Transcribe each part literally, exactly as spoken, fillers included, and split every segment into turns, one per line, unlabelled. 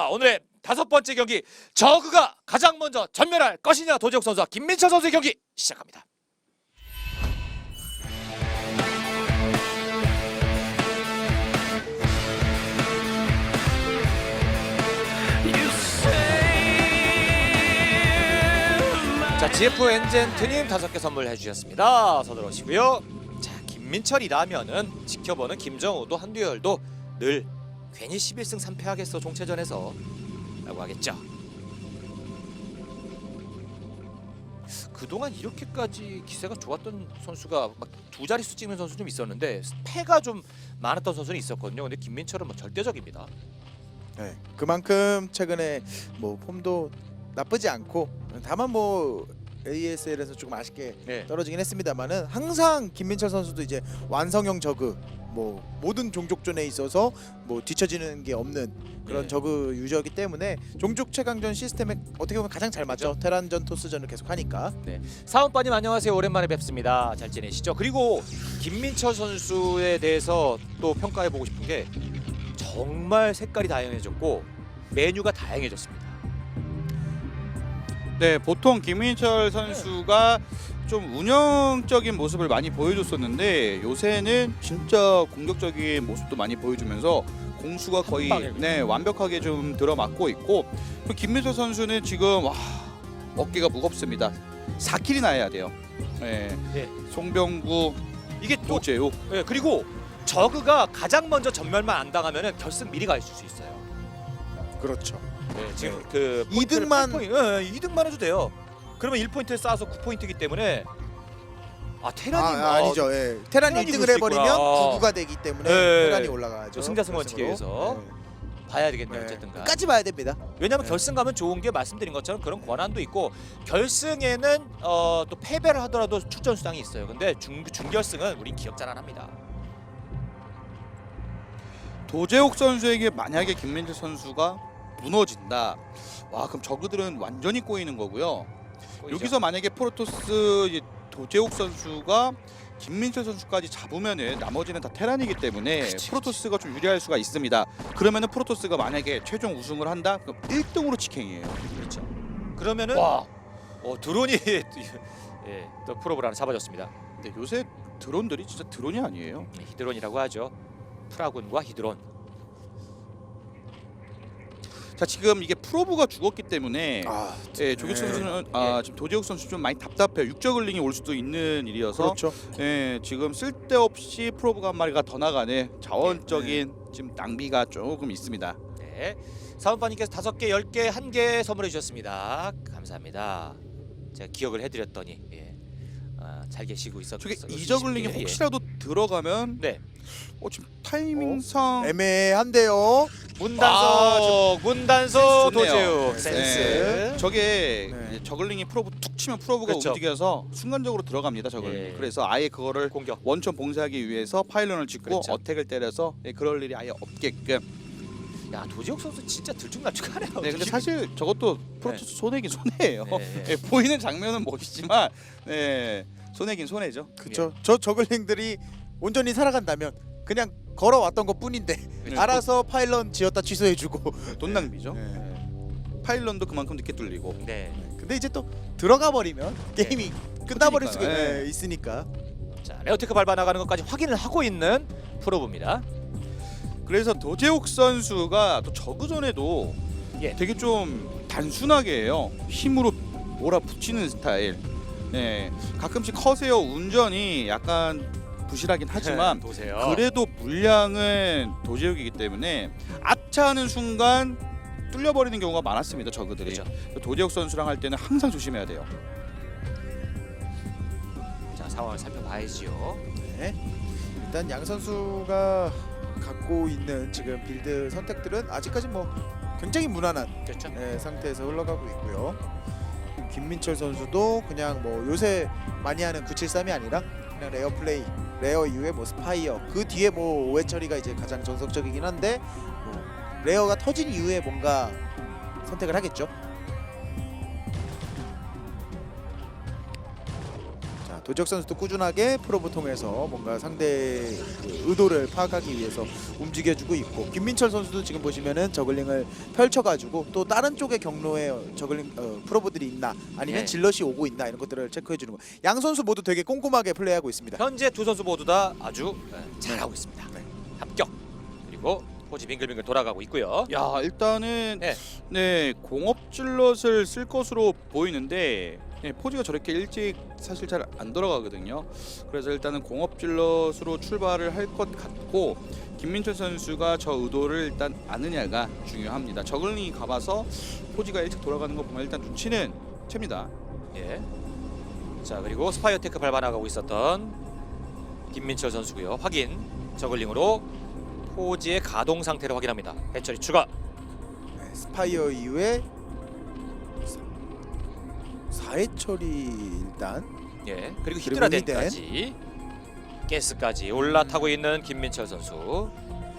자, 오늘의 다섯 번째 경기, 저그가 가장 먼저 전멸할 것이냐, 도재욱 선수와 김민철 선수의 경기 시작합니다. 자, 지에프 엔젠트님 다섯 개 선물해 주셨습니다. 어서 들어오시고요. 자, 김민철이라면은 지켜보는 김정우도 한두열도 늘 괜히 십일 승 삼 패 하겠어 종체전에서 라고 하겠죠. 그동안 이렇게까지 기세가 좋았던 선수가 막 두 자릿수 찍는 선수 좀 있었는데 패가 좀 많았던 선수는 있었거든요. 근데 김민철은 뭐 절대적입니다.
네, 그만큼 최근에 뭐 폼도 나쁘지 않고, 다만 뭐 에이에스엘에서 조금 아쉽게
네.
떨어지긴 했습니다만은 항상 김민철 선수도 이제 완성형 저그, 뭐 모든 종족전에 있어서 뭐 뒤처지는 게 없는 그런
네.
저그 유저이기 때문에 종족 최강전 시스템에 어떻게 보면 가장 잘 맞죠.
그렇죠.
테란전 토스전을 계속 하니까.
네, 사원빠님 안녕하세요. 오랜만에 뵙습니다. 잘 지내시죠? 그리고 김민철 선수에 대해서 또 평가해 보고 싶은 게 정말 색깔이 다양해졌고 메뉴가 다양해졌습니다.
네, 보통 김민철 선수가 좀 운영적인 모습을 많이 보여줬었는데 요새는 진짜 공격적인 모습도 많이 보여주면서 공수가 거의
방에
네, 완벽하게 좀 들어맞고 있고, 또 김민철 선수는 지금 와, 어깨가 무겁습니다. 사 킬이나 해야 돼요. 네.
네.
송병구,
이게 또
도재욱.
네, 그리고 저그가 가장 먼저 전멸만 안 당하면은 결승 미리 갈 수 있어요.
그렇죠.
네, 지금 그
이 등만
네, 이 등만 해도 돼요. 그러면 일 포인트를 쌓아서 구 포인트이기 때문에 아 테란이
아,
뭐
아, 아니죠. 예. 테란이
테란이
일 등을
그럴 수
해버리면
있구나.
구 구가 되기 때문에
네.
테란이 올라가죠.
승자승 원칙에 의해서. 봐야 되겠네요. 어쨌든 간.
끝까지 봐야 됩니다.
왜냐하면
네.
결승 가면 좋은 게 말씀드린 것처럼 그런 권한도 있고, 결승에는 어, 또 패배를 하더라도 출전 수당이 있어요. 근데 중, 준결승은 우린 기억잘 안 합니다.
도재욱 선수에게 만약에 김민철 선수가 무너진다. 와, 그럼 저그들은 완전히 꼬이는 거고요.
보이죠?
여기서 만약에 프로토스 이제 도재욱 선수가 김민철 선수까지 잡으면은 나머지는 다 테란이기 때문에
그치,
프로토스가 좀 유리할 수가 있습니다. 그러면은 프로토스가 만약에 최종 우승을 한다? 그럼 일 등으로 직행이에요.
그렇죠. 그러면은
와,
어, 드론이 예, 또 프로브를 하나 잡아줬습니다.
근데 요새 드론들이 진짜 드론이 아니에요.
네, 히드론이라고 하죠. 프라군과 히드론.
자, 지금 이게 프로브가 죽었기 때문에
아,
예, 조규 선수는 아, 지금 도재욱 선수 좀 많이 답답해요. 육저글링이 올 수도 있는 일이어서
그렇죠.
예, 지금 쓸데없이 프로브가 한 마리가 더 나가네. 자원적인 지금 낭비가 조금 있습니다.
네, 사원빠님께서 다섯 개, 열 개, 한 개 선물해 주셨습니다. 감사합니다. 제가 기억을 해드렸더니 예, 아, 잘 계시고 있었.
저게
있-
이저글링이
있으시길래,
혹시라도 들어가면
예. 네,
어, 지금 타이밍상
애매한데요.
문단서, 문단서
센스 좋네요.
도재욱
네,
센스.
네. 저게
네.
이제 저글링이 프로브 툭 치면 프로브가
그렇죠.
움직여서 순간적으로 들어갑니다. 저글링.
예.
그래서 아예 그거를
공격.
원천 봉쇄하기 위해서 파일런을 짓고
그렇죠.
어택을 때려서 예, 그럴 일이 아예 없게끔.
야, 도재욱 선수 진짜 들쭉날쭉하네요.
네, 근데 사실 저것도 프로토스 손해긴 손해예요.
네, 네.
예, 보이는 장면은 멋있지만 네, 손해긴 손해죠.
그렇죠. 저 저글링들이 온전히 살아간다면 그냥 걸어왔던 것 뿐인데
네.
알아서 파일런 지었다 취소해주고.
돈 낭비죠.
네.
네. 파일런도 그만큼 늦게 뚫리고.
네.
근데 이제 또 들어가 버리면 게임이 끝나버릴 수가
터지니까요.
네, 있으니까.
자, 레어테크 밟아 나가는 것까지 확인을 하고 있는 프로브입니다.
그래서 도재욱 선수가 또 저그전에도
예.
되게 좀 단순하게 해요. 힘으로 몰아붙이는 스타일. 네, 가끔씩 커세어 운전이 약간 부실하긴 하지만
보세요.
그래도 물량은 도제욱이기 때문에 아차하는 순간 뚫려버리는 경우가 많았습니다. 저그들이.
그렇죠.
도제욱 선수랑 할 때는 항상 조심해야 돼요.
자, 상황을 살펴봐야지요.
네. 일단 양 선수가 갖고 있는 지금 빌드 선택들은 아직까지 뭐 굉장히 무난한
그렇죠.
네, 상태에서 흘러가고 있고요. 김민철 선수도 그냥 뭐 요새 많이 하는 구칠삼이 아니라 그냥 레어 플레이, 레어 이후에 뭐 스파이어, 그 뒤에 뭐 오해 처리가 이제 가장 정석적이긴 한데 뭐 레어가 터진 이후에 뭔가 선택을 하겠죠. 자, 도적 선수도 꾸준하게 프로브 통해서 뭔가 상대 그 의도를 파악하기 위해서 움직여주고 있고 김민철 선수도 지금 보시면은 저글링을 펼쳐가지고 또 다른 쪽의 경로에 저글링 어, 프로브들이 있나 아니면
네.
질럿이 오고 있나 이런 것들을 체크해주는 거. 양 선수 모두 되게 꼼꼼하게 플레이하고 있습니다.
현재 두 선수 모두 다 아주 네, 잘하고 있습니다.
네.
합격. 그리고 포지 빙글빙글 돌아가고 있고요.
야 일단은
네.
네 공업질럿을 쓸 것으로 보이는데 네, 포지가 저렇게 일찍 사실 잘 안 돌아가거든요. 그래서 일단은 공업질럿으로 출발을 할 것 같고 김민철 선수가 저 의도를 일단 아느냐가 중요합니다. 저글링이 가봐서 포지가 일찍 돌아가는 거 보면 일단 눈치는 챕니다.
예. 자 그리고 스파이어 테크 밟아나가고 있었던 김민철 선수고요. 확인. 저글링으로 포지의 가동 상태를 확인합니다. 해처리 추가.
네, 스파이어 이후에 사회처리 일단
예. 그리고
그리고
히드라덴까지 가스까지 올라타고 있는 김민철 선수.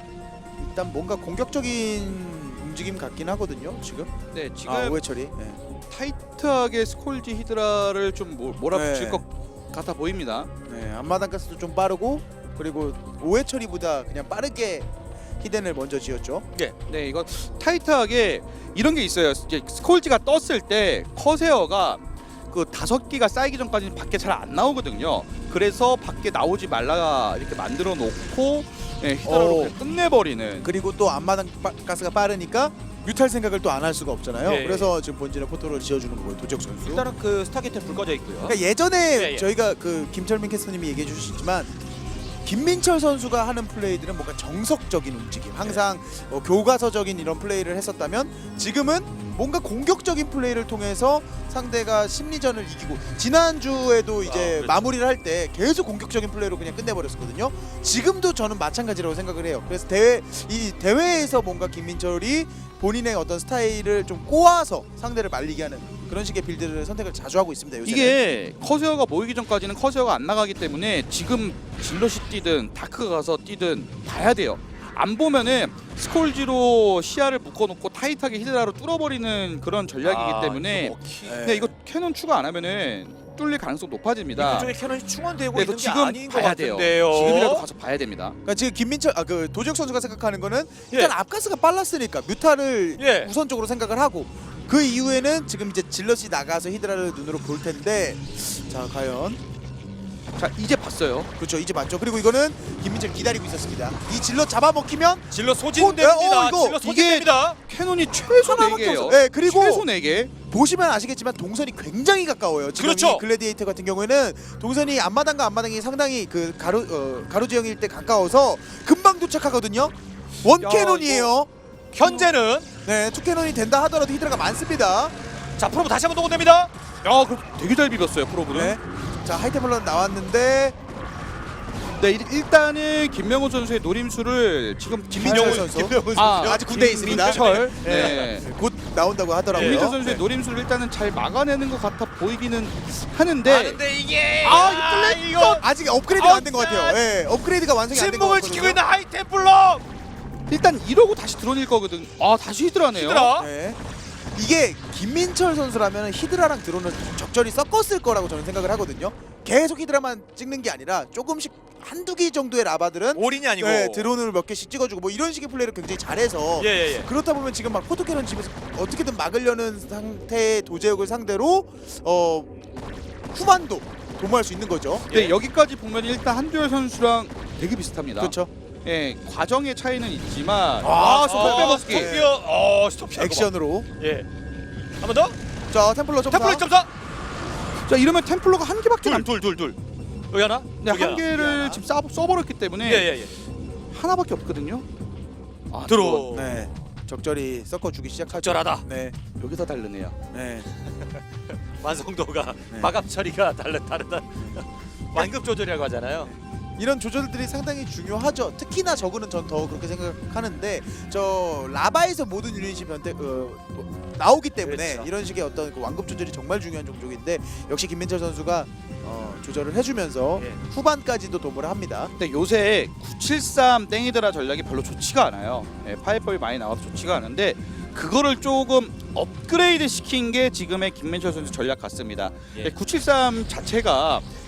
일단 뭔가 공격적인 움직임 같긴 하거든요 지금.
네 지금
아 오해 처리. 네.
타이트하게 스콜지 히드라를 좀 몰- 몰아붙일
네.
것 같아 보입니다.
네, 앞마당 가스도 좀 빠르고 그리고 오해 처리보다 그냥 빠르게 히덴을 먼저 지었죠.
네, 이거 타이트하게 이런 게 있어요. 이제 스콜지가 떴을 때 커세어가 그 다섯 기가 쌓이기 전까지는 밖에 잘 안 나오거든요. 그래서 밖에 나오지 말라 이렇게 만들어 놓고 예, 히드라로
오.
그냥 끝내버리는.
그리고 또 앞마당 빠, 가스가 빠르니까 뮤탈 생각을 또 안 할 수가 없잖아요.
예, 예.
그래서 지금 본진에 포토를 지어주는 거고요. 도적 선수.
일단은 그 스타게이트 불 꺼져 있고요.
그러니까 예전에
예, 예.
저희가 그 김철민 캐스터님이 얘기해 주셨지만 김민철 선수가 하는 플레이들은 뭔가 정석적인 움직임, 항상 어, 교과서적인 이런 플레이를 했었다면 지금은 뭔가 공격적인 플레이를 통해서 상대가 심리전을 이기고 지난주에도 이제
아, 그렇죠.
마무리를 할 때 계속 공격적인 플레이로 그냥 끝내버렸었거든요. 지금도 저는 마찬가지라고 생각을 해요. 그래서 대회 이 대회에서 뭔가 김민철이 본인의 어떤 스타일을 좀 꼬아서 상대를 말리게 하는 그런 식의 빌드를 선택을 자주 하고 있습니다. 요새는.
이게 커세어가 모이기 전까지는 커세어가 안 나가기 때문에 지금 질럿이 뛰든 다크가 가서 뛰든 봐야 돼요. 안 보면은 스콜지로 시야를 묶어놓고 타이트하게 히드라로 뚫어버리는 그런 전략이기
아,
때문에
이거 먹히.
네.
근데 이거 캐논 추가 안 하면은 뚫릴 가능성 높아집니다.
이쪽에 캐논이 충원되고
네,
있는
이거
게
지금
아닌 것
봐야 돼요.
같은데요.
지금이라도 가서 봐야 됩니다.
그러니까 지금 김민철 아 그 도적 선수가 생각하는 거는 일단
예.
앞가스가 빨랐으니까 뮤타를
예.
우선적으로 생각을 하고 그 이후에는 지금 이제 질럿이 나가서 히드라를 눈으로 볼 텐데 자 과연
자 이제 봤어요.
그렇죠 이제 맞죠. 그리고 이거는 김민철 기다리고 있었습니다. 이 질럿 잡아먹히면
질러
어,
소진됩니다.
어, 이거
질러
이게-
소진됩니다.
캐논이 최소 네
하나밖에
개예요.
없어요. 네, 그리고
최소 네 개.
보시면 아시겠지만 동선이 굉장히 가까워요. 지금
그렇죠.
이 글래디에이터 같은 경우에는 동선이 앞마당과 앞마당이 상당히 그 가로 어, 가로지형일 때 가까워서 금방 도착하거든요. 원
야,
캐논이에요.
현재는
네, 투 캐논이 된다 하더라도 히드라가 많습니다.
자 프로브 다시 한번 동원됩니다.
야 그럼 되게 잘 비볐어요 프로브는.
네. 자 하이테블런 나왔는데
네 일- 일단은 김명훈 선수의 노림수를 지금
김민철
잘-
선수
김명훈
아,
아직 군대에 있습니다.
김민철
네.
네.
곧 나온다고 하더라고요.
김민철 선수의
네.
노림수를 일단은 잘 막아내는 것 같아 보이기는 하는데
아는데 이게
아, 이거 뚫렸-
이거
아직 업그레이드가 안 된 것 같아요.
아웃!
예, 업그레이드가 완성이 안 된 것
침묵을
같거든요.
지키고 있는 하이템플러
일단 이러고 다시 드론일 거거든. 아 다시 히드라네요.
히드라.
네. 이게 김민철 선수라면 히드라랑 드론을 적절히 섞었을 거라고 저는 생각을 하거든요. 계속 히드라만 찍는 게 아니라 조금씩 한두 개 정도의 라바들은
올인이 아니고
네, 드론을 몇 개씩 찍어주고 뭐 이런 식의 플레이를 굉장히 잘해서
예예예. 예, 예.
그렇다 보면 지금 막 포토캐논 집에서 어떻게든 막으려는 상태의 도제욱을 상대로 어 후반도 도모할 수 있는 거죠.
네
예.
여기까지 보면 일단 한두열 선수랑 되게 비슷합니다.
그렇죠.
예 과정의 차이는 있지만
아,
아 스톱 빼먹기.
네.
스톱이요. 어 스톱 피하고
액션으로.
막. 예. 한 번 더.
자 템플러 점사.
템플러 점사.
자 이러면 템플러가 한 개밖에 안.
둘 둘 둘 둘. 여기 하나.
네,
여기
한
하나.
개를
하나.
지금 써, 써버렸기 때문에
예예예.
하나밖에 없거든요. 아,
들어.
네. 적절히 섞어주기 시작하죠.
적절하다.
네.
또 여기서 다르네요.
네.
완성도가
네.
마감 처리가 다르 다르다. 완급 조절이라고 하잖아요.
이런 조절들이 상당히 중요하죠. 특히나 저그는 전 더 그렇게 생각하는데 저 라바에서 모든 유닛이 변태 어, 뭐, 나오기 때문에
그렇죠.
이런 식의 어떤 그 완급 조절이 정말 중요한 종족인데 역시 김민철 선수가 어, 조절을 해주면서
예.
후반까지도 도모를 합니다.
근데 요새 구칠삼 땡이드라 전략이 별로 좋지가 않아요. 예, 파이법이 많이 나와서 좋지가 않은데 그거를 조금 업그레이드 시킨 게 지금의 김민철 선수 전략 같습니다.
예.
예, 구칠삼 자체가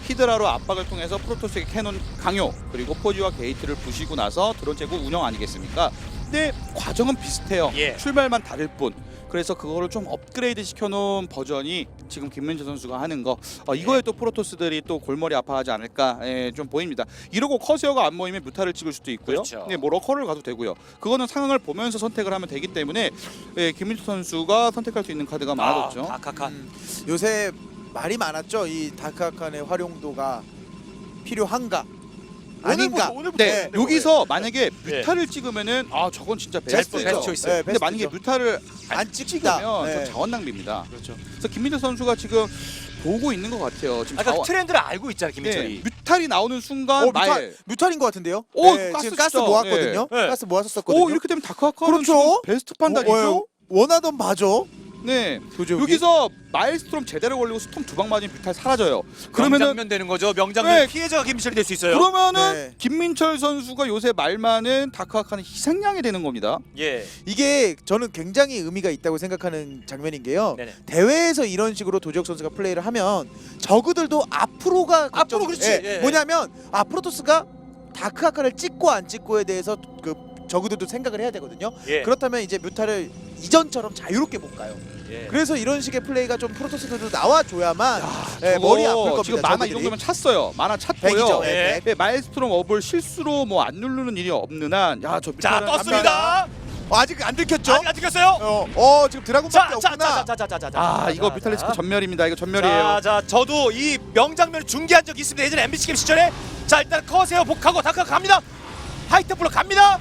히드라로 압박을 통해서 프로토스의 캐논 강요 그리고 포지와 게이트를 부시고 나서 드론 제고 운영 아니겠습니까? 근데 과정은 비슷해요.
예.
출발만 다를 뿐. 그래서 그거를 좀 업그레이드 시켜놓은 버전이 지금 김민재 선수가 하는 거 어, 이거에
예.
또 프로토스들이 또 골머리 아파하지 않을까 예, 좀 보입니다. 이러고 커세어가 안 모이면 뮤타를 찍을 수도 있고요.
그렇죠.
네, 뭐 러커를 가도 되고요. 그거는 상황을 보면서 선택을 하면 되기 때문에 예, 김민재 선수가 선택할 수 있는 카드가 많아졌죠.
아, 다카칸.
음, 요새 말이 많았죠. 이 다크아칸의 활용도가 필요한가 아닌가.
오늘부터, 오늘부터
네,
네,
여기서 만약에
예.
뮤타를 찍으면은 아 저건 진짜
베스트,
베스트죠.
베스트 초이스.
네,
근데
베스트죠.
만약에 뮤타를 안,
안 찍다.
찍으면
네.
좀 자원 낭비입니다.
그렇죠.
그래서 김민재 선수가 지금 보고 있는 것 같아요. 지금
아까 그
자원-
트렌드를 알고 있잖아
네,
김민철이.
뮤탈이 나오는 순간
어, 뮤탈,
말.
뮤탈인 것 같은데요?
오,
네,
가스
지금 가스
진짜.
모았거든요.
예. 네.
가스 모았었거든요.
오 이렇게 되면 다크아카는
그렇죠.
지금 베스트 판단이죠.
어, 어, 원하던 바죠.
네.
도저히.
여기서 마일스톰 제대로 걸리고 스톰 두 방 맞으면 뮤탈 사라져요. 그러면은
명장면 되는 거죠. 명장면
네.
피해자가 김민철이 될 수 있어요.
그러면은
네.
김민철 선수가 요새 말만은 다크아카는 희생양이 되는 겁니다.
예.
이게 저는 굉장히 의미가 있다고 생각하는 장면인 게요.
네네.
대회에서 이런 식으로 도지혁 선수가 플레이를 하면 저그들도 앞으로가
앞으로
걱정이-
그렇지.
예,
예.
뭐냐면 아 프로토스가 다크아카를 찍고 안 찍고에 대해서 그 저그들도 생각을 해야 되거든요.
예.
그렇다면 이제 뮤타를 이전처럼 자유롭게 못 가요.
예.
그래서 이런 식의 플레이가 좀 프로토스들도 나와줘야만 예,
저거
머리 아플 겁니다.
지금 만화 이
저그들이.
정도면 찼어요. 만화 찼고요.
백이죠.
예.
예, 백.
네, 마일스톰 업을 실수로 뭐 안 누르는 일이 없는 한, 야 저
자
뮤탈은
떴습니다.
어, 아직 안 들켰죠?
아직 안 찍혔어요.
어, 어 지금 드라군밖에 없구나.
자자자자자자자.
아 이거 뮤탈리스크 전멸입니다. 이거 전멸이에요.
자, 자, 저도 이 명장면을 중계한 적이 있습니다. 예전에 엠비씨 게임 시절에. 자, 일단 커세어 복하고 다카 갑니다. 하이템플로 갑니다.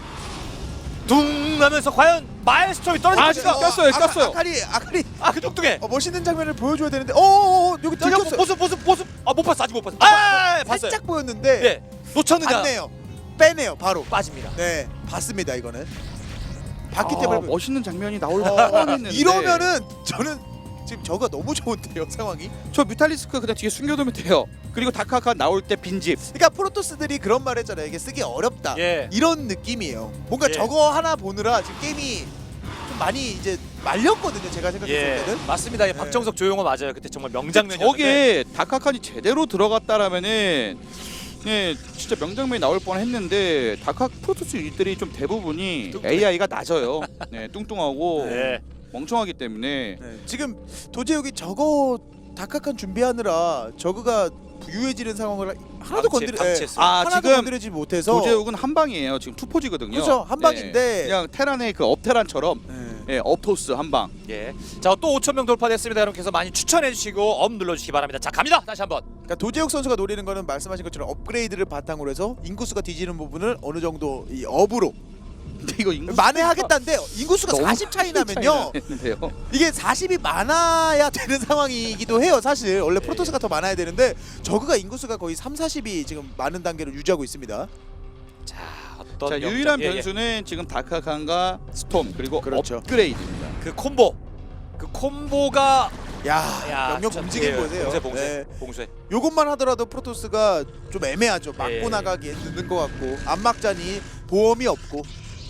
둥 하면서 과연 마일스톰이 떨어질
아,
것인가?
지금 꼈어요, 꼈어요.
아카리 아카리
아, 그 뚱뚱해.
어, 멋있는 장면을 보여줘야 되는데, 어, 어, 어 여기
저기
들켰어요.
보습 보습 보습. 아, 못 봤어. 아직 못 봤어. 아, 봤어요.
살짝 보였는데
네. 놓쳤는데
안 내요. 빼내요 바로.
빠집니다.
네, 봤습니다 이거는. 봤기
아,
때문에
멋있는 장면이 나올
어,
뻔했는데
이러면은 저는 지금 저가 너무 좋은데요 상황이.
저 뮤탈리스크 그냥 뒤에 숨겨두면 돼요. 그리고 다크아카 나올 때 빈집.
그러니까 프로토스들이 그런 말 했잖아요. 이게 쓰기 어렵다.
예.
이런 느낌이에요. 뭔가
예.
저거 하나 보느라 지금 게임이 좀 많이 이제 말렸거든요. 제가 생각했을
예.
때는.
맞습니다. 예, 박정석 조용호 맞아요. 그때 정말 명장면이었는데.
저게 다크아칸이 제대로 들어갔다라면은 예, 진짜 명장면이 나올 뻔했는데 다크아 프로토스 유닛들이 좀 대부분이
뚱뚱해.
에이아이가 낮아요. 네, 뚱뚱하고
예.
멍청하기 때문에
네. 지금 도제욱이 저거 다카칸 준비하느라 저그가 부유해지는 상황을 하나도
방치,
건드리
방치했어요.
아,
하나도
지금
건드리지 못해서
도제욱은 한 방이에요. 지금 투포지거든요.
그렇죠. 한 방인데.
네, 그냥 테란의 그 업테란처럼
네.
예, 업토스 한 방.
예. 자, 또 오천 명 돌파됐습니다. 여러분께서 많이 추천해 주시고 업 눌러 주시기 바랍니다. 자, 갑니다. 다시 한번.
그러니까 도제욱 선수가 노리는 거는 말씀하신 것처럼 업그레이드를 바탕으로 해서 인구수가 뒤지는 부분을 어느 정도 이 업으로
근데 이거 인구
만회하겠다는데 인구수가
너무
사십 차이 나면요.
했는데요.
이게 사십이 많아야 되는 상황이기도 해요. 사실 원래 프로토스가 더 많아야 되는데 저그가 인구수가 거의 삼, 사십이 지금 많은 단계를 유지하고 있습니다.
자, 어떤
자,
명장-
유일한
예, 예.
변수는 지금 다크아칸과 스톰 그리고
그렇죠.
업그레이드입니다.
그 콤보. 그 콤보가
야,
야,
명령
진짜,
움직임
예,
보세요.
봉쇄 봉쇄.
네.
봉쇄.
요것만 하더라도 프로토스가 좀 애매하죠. 막고
예.
나가기에 늦는 것 같고 안 막자니 보험이 없고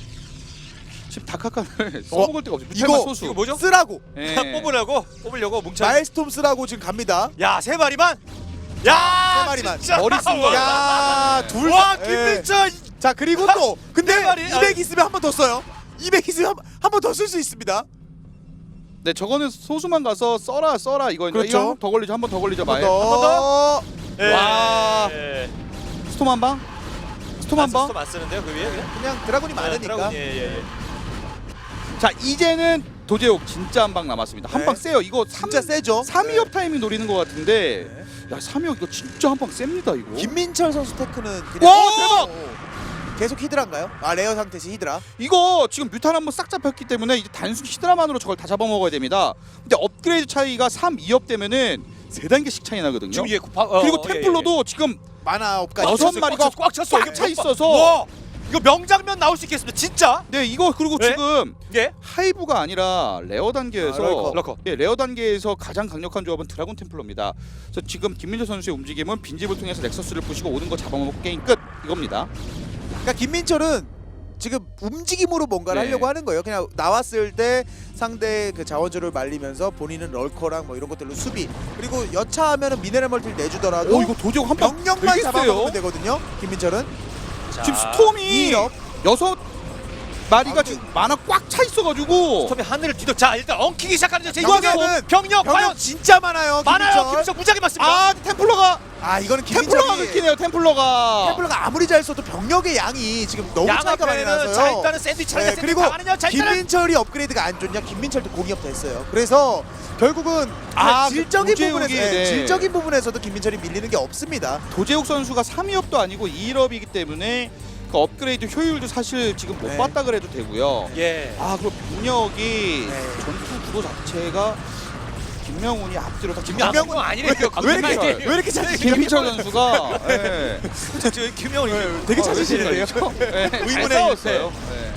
지금 다크아칸을 써먹을 데가 없어요.
이거-
뮤탈만 소수.
이거 뭐죠?
쓰라고
예.
그냥 뽑으려고 뽑으려고 뭉쳐.
마일스톰 쓰라고 지금 갑니다.
야, 세 마리만. 야,
세 마리만.
진짜.
머리 쓴 거야.
야, 둘
와,
다-
김민철.
자 그리고 또 근데
네 마리.
이백 있으면 한 번 더 써요. 이백 있으면 한 번 더 쓸 수 있습니다.
네, 저거는 소수만 가서 써라 써라 이거
그렇죠.
이거 한 번 더 걸리죠. 한 번 더 걸리죠.
한 번
마에.
더.
예.
와.
예.
스톰 한 방. 스톰 한 방.
안 쓰는데요, 그 위에? 그냥?
그냥 드라군이 많으니까.
드라군, 예, 예, 예.
자, 이제는 도제욱 진짜 한 방 남았습니다. 한
네.
방 세요. 이거
진짜 세죠.
삼
네.
위업 타이밍 노리는 것 같은데.
네.
야, 삼 위업 이거 진짜 한 방 셉니다, 이거.
김민철 선수 테크는 그냥
와, 대박!
계속 히드라인가요? 아 레어 상태시 히드라.
이거 지금 뮤탄 한번 싹 잡혔기 때문에 이제 단순 히드라만으로 저걸 다 잡아먹어야 됩니다. 근데 업그레이드 차이가 삼, 이 업 되면은 세 단계씩 차이 나거든요.
지금 예, 파, 어,
그리고
어, 예,
템플러도 지금
만화 업까지.
여섯
찼어요.
마리가
꽉 찼어.
꽉
이게
차
뭐-
있어서.
와, 이거 명장면 나올 수 있겠습니다. 진짜.
네, 이거 그리고
네?
지금
예.
하이브가 아니라 레어 단계에서
아, 럴커.
럴커.
예, 레어 단계에서 가장 강력한 조합은 드라곤 템플러입니다. 그래서 지금 김민재 선수의 움직임은 빈집을 통해서 넥서스를 부시고 오는 거 잡아먹고 게임 끝 이겁니다.
그러니까 김민철은 지금 움직임으로 뭔가를
네.
하려고 하는 거예요. 그냥 나왔을 때 상대 그 자원줄을 말리면서 본인은 럴커랑 뭐 이런 것들로 수비, 그리고 여차하면은 미네랄 멀티를 내주더라도
오 이거 도제욱 한방
병력만
되게
잡아먹으면
세요.
되거든요. 김민철은
자,
지금 스톰이
이업.
여섯 마리가
아,
지금 만화 꽉 차 있어가지고
스톰이 하늘을 뒤덮. 자 일단 엉키기 시작하는 제
병력은-
병력 병력 과연
병력 진짜 많아요.
많아요.
김민철.
김민철 무지하게 많습니다.
아 템플러가
아 이거는
템플러가
김민철이
긁히네요. 템플러가.
템플러가 아무리 잘 써도 병력의 양이 지금 너무
양
차이가 많이
앞에는
나서요.
자 일단은 샌드위치를
네,
네,
그리고
당하느냐. 자 일단은
김민철이 업그레이드가 안 좋냐? 김민철도 공이업 됐어요. 그래서 결국은
아,
그 질적인
그
부분에서
도제욱이,
네,
네.
질적인 부분에서도 김민철이 밀리는 게 없습니다.
도제욱 선수가 삼 위업도 아니고 이 위업이기 때문에 그 업그레이드 효율도 사실 지금 못
네.
봤다 그래도 되고요.
예.
아 그리고 병력이
네.
전투 구도 자체가 김명훈이 앞뒤로 다
김명훈
김명훈
아니래요.
왜 이렇게
김민철.
왜 이렇게 잘
김민철 선수가 예.
저 김명훈이
되게
어,
찾으시네요.
네. 잘
의문의
싸웠어요. 네.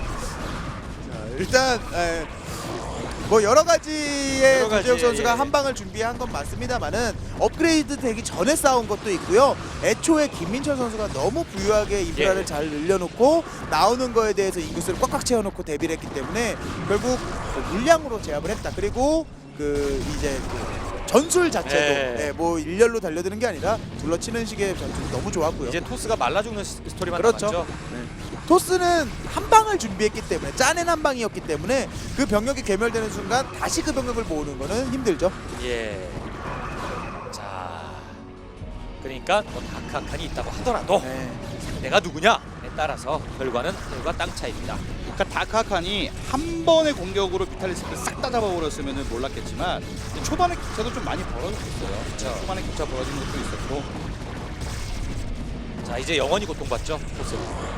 일단 에, 뭐 여러 가지의
여러 가지,
도재욱 선수가
예.
한 방을 준비한 건 맞습니다만은 업그레이드 되기 전에 싸운 것도 있고요. 애초에 김민철 선수가 너무 부유하게 인프라를
예.
잘 늘려놓고 나오는 거에 대해서 인구수를 꽉꽉 채워놓고 대비를 했기 때문에 결국 그 물량으로 제압을 했다. 그리고 그 이제 그 전술 자체도
예.
예, 뭐 일렬로 달려드는 게 아니라 둘러치는 식의 전술이 너무 좋았고요.
이제 토스가 말라 죽는 스- 스토리만
그렇죠.
남았죠.
토스는 한 방을 준비했기 때문에 짜낸 한 방이었기 때문에 그 병력이 괴멸되는 순간 다시 그 병력을 모으는 거는 힘들죠.
예. 자, 그러니까 뭐 다크한칸이 있다고 하더라도
네.
내가 누구냐에 따라서 결과는 하늘과 땅 차이입니다.
그러니까 다크하칸이 한 번의 공격으로 비탈리스크를 싹 다 잡아버렸으면 몰랐겠지만 초반에 격차도 좀 많이 벌어졌어요.
그렇죠.
초반에 격차 벌어지는 것도 있었고
자, 이제 영원히 고통받죠. 토스.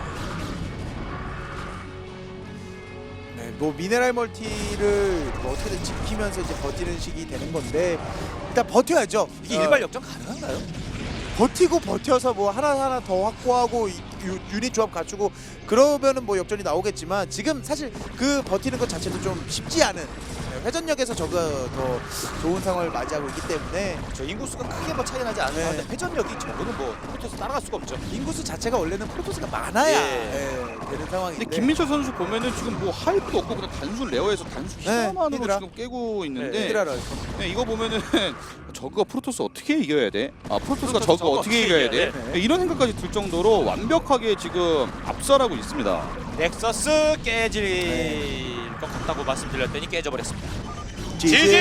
네, 뭐 미네랄 멀티를 뭐 어떻게든 지키면서 이제 버티는 식이 되는 건데 일단 버텨야죠.
이게
어,
일발 역전 가능한가요?
버티고 버텨서 뭐 하나 하나 더 확보하고 이- 유, 유닛 조합 갖추고 그러면은 뭐 역전이 나오겠지만 지금 사실 그 버티는 것 자체도 좀 쉽지 않은 네, 회전력에서 저가 더 좋은 상황을 맞이하고 있기 때문에
저 인구수가 크게 뭐 차이 나지 않는
네.
가운데 회전력이 저거는 뭐 프로토스 따라갈 수가 없죠.
인구수 자체가 원래는 프로토스가 많아야
예.
예, 되는 상황인데
근데 김민철 선수 보면은 지금 뭐 하이프도 없고 그냥 단순 레어에서 단순
네,
히드라만으로
히드라.
지금 깨고 있는데
네,
히드라를
네, 이거 보면은 저그가 프로토스 어떻게 이겨야 돼? 아 프로토스가
프로토스
저그
저그
어떻게
어떻게
이겨야
이겨야
돼?
돼?
네, 이런 생각까지 들 정도로 완벽하게 지금 압살하고 있습니다.
넥서스 깨질
네.
것 같다고 말씀드렸더니 깨져버렸습니다.
지지.
지지!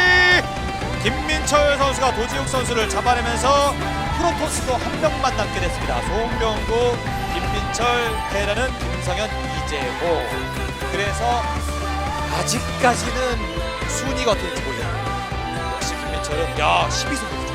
김민철 선수가 도지욱 선수를 잡아내면서 프로토스도 한 명만 남게 됐습니다. 송병구, 김민철, 테라는 김성현, 이재호. 그래서 아직까지는 순위가 어떻게 될지 모르겠네요. 역시 김민철은 야 십이 승